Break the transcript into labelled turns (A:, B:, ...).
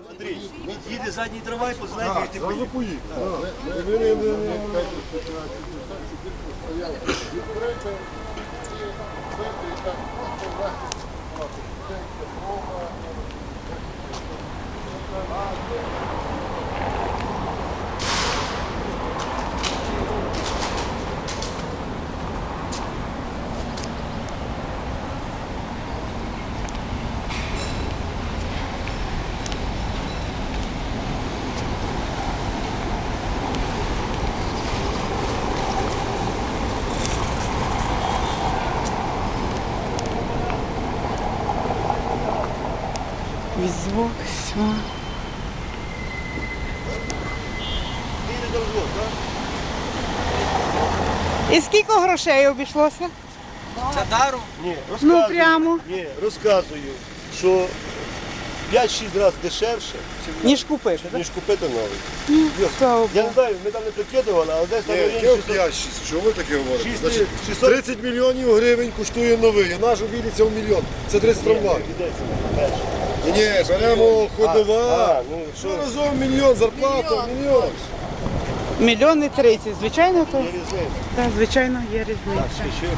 A: Андрій, їде задній трамвай, познаєте, як ти поїхав.
B: Візок, все.
A: Їде до розвод, так?
B: І скільки грошей обійшлося?
C: Це даром?
A: Ні, розказую.
B: Ну, прямо.
A: Ні, розказую, що 5-6 разів дешевше,
B: Ніж купити, так?
A: ніж купити новий.
B: Слава
A: Я
B: Богу.
A: не знаю, ми там не прикидували, але десь там
D: Ні,
A: районі
D: яке
A: 600.
D: 5-6? Чого ви таке говорите?
A: 600.
D: Значить, 30 мільйонів гривень коштує новий, а наш обійдеться в мільйон. Це 30 трамвай.
A: Йдеться перше.
D: Ні, беремо ходова.
A: А, ну,
D: Що разом мільйон, зарплата, мільйон.
B: 1,30 000, звичайно, то?
A: Є різниця.
B: Так, звичайно, є різниця.
A: Ще